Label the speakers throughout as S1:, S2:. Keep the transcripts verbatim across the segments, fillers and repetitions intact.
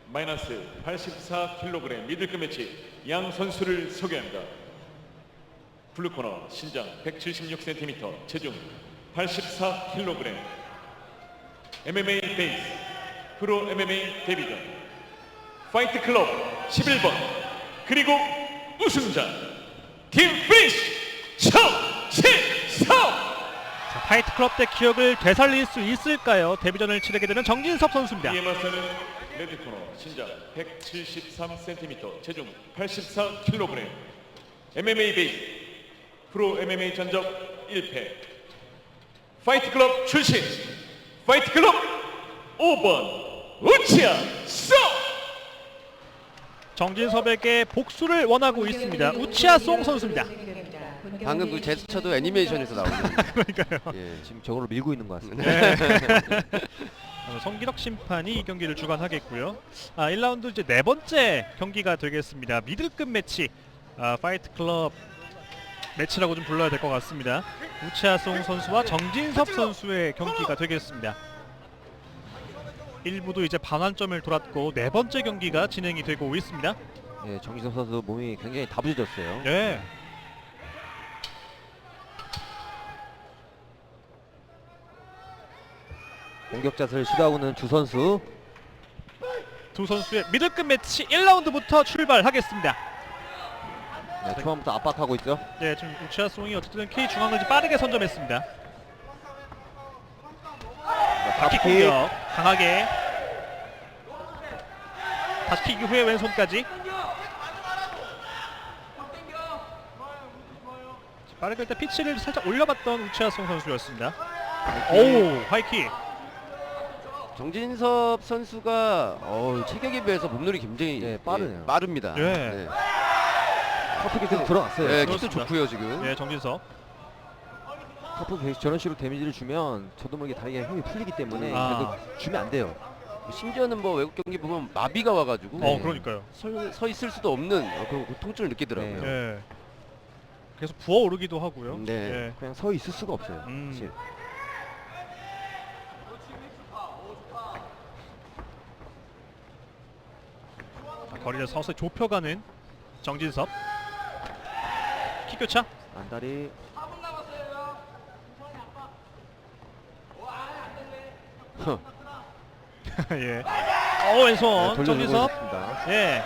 S1: 마이너스 팔십사 킬로그램 미들급 매치 양 선수를 소개합니다. 블루코너 신장 백칠십육 센티미터, 체중 팔십사 킬로그램, 엠엠에이 베이스 프로 엠엠에이 데뷔전 파이트 클럽 십일 번, 그리고 우승자 팀 피니쉬 정진섭.
S2: 자, 파이트 클럽 때 기억을 되살릴 수 있을까요? 데뷔전을 치르게 되는 정진섭 선수입니다.
S1: 이에 맞서는 레드코너 신장 백칠십삼 센티미터, 체중 팔십사 킬로그램, 엠엠에이 베이스 프로 엠엠에이 전적 일 패, 파이트 클럽 출신 파이트 클럽 오 번 우치아 송.
S2: 정진섭에게 복수를 원하고 있습니다. 우치아 송 선수입니다.
S3: 방금 그 제스처도 애니메이션에서 나오는.
S2: 그러니까요.
S3: 예,
S4: 지금 저거로 밀고 있는 것 같습니다.
S2: 네. 어, 성기덕 심판이 이 경기를 주관하겠고요. 아, 일 라운드 이제 네 번째 경기가 되겠습니다. 미들급 매치, 아, 파이트 클럽 매치라고 좀 불러야 될 것 같습니다. 우치아송 선수와 정진섭 선수의 경기가 되겠습니다. 일 부도 이제 반환점을 돌았고 네 번째 경기가 진행이 되고 있습니다.
S4: 예, 정진섭 선수 몸이 굉장히 다부져졌어요.
S2: 네.
S4: 공격 자세를 시도하고는 두 선수.
S2: 두 선수의 미들급 매치 일 라운드부터 출발하겠습니다.
S4: 네, 초반부터 압박하고 있죠.
S2: 네, 지금 우치아송이 어쨌든 K 중앙을 좀 빠르게 선점했습니다. 바킥 공격 강하게, 다시 킥 이후에 왼손까지 빠르게 일단 피치를 살짝 올려봤던 우치아송 선수였습니다. 오, 하이킥.
S3: 정진섭 선수가 어, 체격에 비해서 몸놀이 굉장히
S4: 예, 빠르네요.
S3: 예, 빠릅니다.
S2: 예.
S3: 네.
S4: 커프 계속 들어갔어요.
S3: 예, 킥도
S2: 그렇습니다.
S3: 좋고요 지금.
S2: 네, 정진섭.
S4: 커프 계속 저런 식으로 데미지를 주면 저도 모르게 다리가 힘이 풀리기 때문에
S2: 아.
S4: 계속 주면 안 돼요.
S3: 심지어는 뭐 외국 경기 보면 마비가 와가지고
S2: 어, 그러니까요.
S3: 서, 서 있을 수도 없는 어, 그런 통증을 느끼더라고요.
S4: 네.
S2: 예. 계속 부어오르기도 하고요.
S3: 네.
S2: 예.
S4: 그냥 서 있을 수가 없어요.
S2: 음.
S4: 사실.
S2: 자, 거리를 서서히 좁혀가는 정진섭. 킥 교차.
S4: 안다리.
S2: 예. 어, 왼손
S4: 네, 돌려주고
S2: 정진섭.
S4: 있습니다.
S2: 예.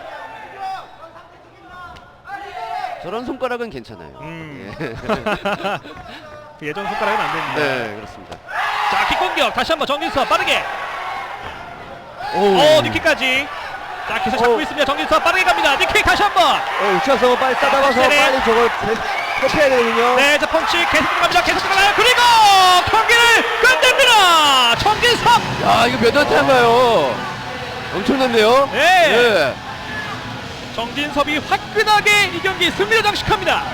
S3: 저런 손가락은 괜찮아요.
S2: 음.
S3: 예.
S2: 그 예전 손가락은 안 됩니다.
S3: 네, 그렇습니다.
S2: 자, 킥 공격 다시 한번 정진섭 빠르게.
S4: 오,
S2: 어, 니킥까지. 자, 계속 잡고
S4: 오.
S2: 있습니다. 정진섭 빠르게 갑니다. 니킥 다시 한번.
S4: 어, 우차서 빨리 싸다가서
S2: 확실히.
S4: 빨리 저걸 회피해야 되거든요.
S2: 네, 자 펀치 계속 들어갑니다. 계속 들어가요. 그리고 경기를 끝냅니다. 정진섭.
S3: 야, 이거 몇 안타인가요? 엄청났네요.
S2: 네.
S3: 예.
S2: 정진섭이 화끈하게 이 경기 승리를 장식합니다.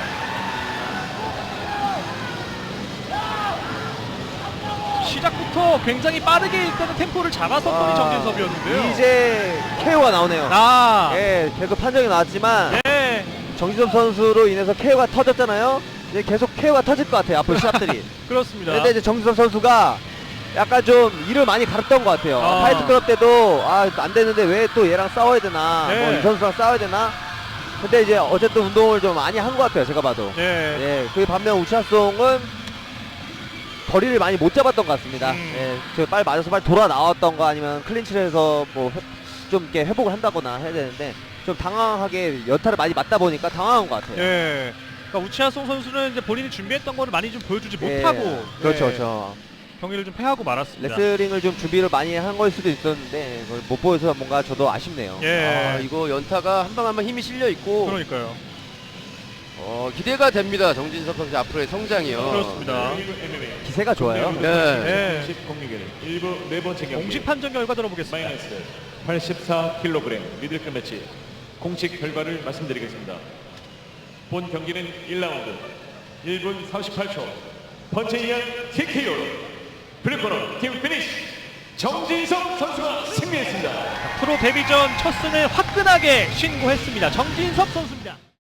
S2: 시작부터 굉장히 빠르게 일단은 템포를 잡았었던 이
S4: 아,
S2: 정진섭이었는데요.
S4: 이제 케이오가 나오네요.
S2: 아,
S4: 예, 계속 판정이 나왔지만
S2: 네,
S4: 정진섭 선수로 인해서 케이오가 터졌잖아요. 이제 계속 케이오가 터질 것 같아요. 앞으로 시합들이.
S2: 그렇습니다.
S4: 근데 이제 정진섭 선수가 약간 좀 일을 많이 갈았던 것 같아요.
S2: 아.
S4: 파이트 클럽 때도 아, 안 되는데 왜 또 얘랑 싸워야 되나,
S2: 네.
S4: 뭐 이 선수랑 싸워야 되나. 근데 이제 어쨌든 운동을 좀 많이 한 것 같아요. 제가 봐도.
S2: 네,
S4: 예, 그 반면 우차송은 거리를 많이 못 잡았던 것 같습니다.
S2: 음.
S4: 예, 저 빨리 맞아서 빨리 돌아 나왔던 거 아니면 클린치를 해서 뭐 좀 이렇게 회복을 한다거나 해야 되는데 좀 당황하게 연타를 많이 맞다 보니까 당황한 것 같아요.
S2: 네. 그러니까 우치아송 선수는 이제 본인이 준비했던 거를 많이 좀 보여주지
S4: 예,
S2: 못하고
S4: 그렇죠,
S2: 네,
S4: 그렇죠.
S2: 경기를 좀 패하고 말았습니다.
S4: 레슬링을 좀 준비를 많이 한 걸 수도 있었는데 그걸 못 보여서 뭔가 저도 아쉽네요.
S2: 예,
S3: 아, 이거 연타가 한 방 한 방 힘이 실려 있고
S2: 그러니까요.
S3: 어, 기대가 됩니다. 정진섭 선수 앞으로의 성장이요.
S2: 그렇습니다.
S4: 기세가 좋아요.
S3: 네.
S2: 네.
S1: 공식 공격의 일 부 네 번째 경기
S2: 공식 판정 결과 들어보겠습니다.
S1: 마이너스 팔십사 킬로그램 미들급 매치 공식 결과를 말씀드리겠습니다. 본 경기는 일 라운드 일 분 삼십팔 초 펀치 이한 티케이오로 블루코너 팀 피니쉬 정진섭 선수가 승리했습니다.
S2: 프로 데뷔전 첫 승을 화끈하게 신고했습니다. 정진섭 선수입니다.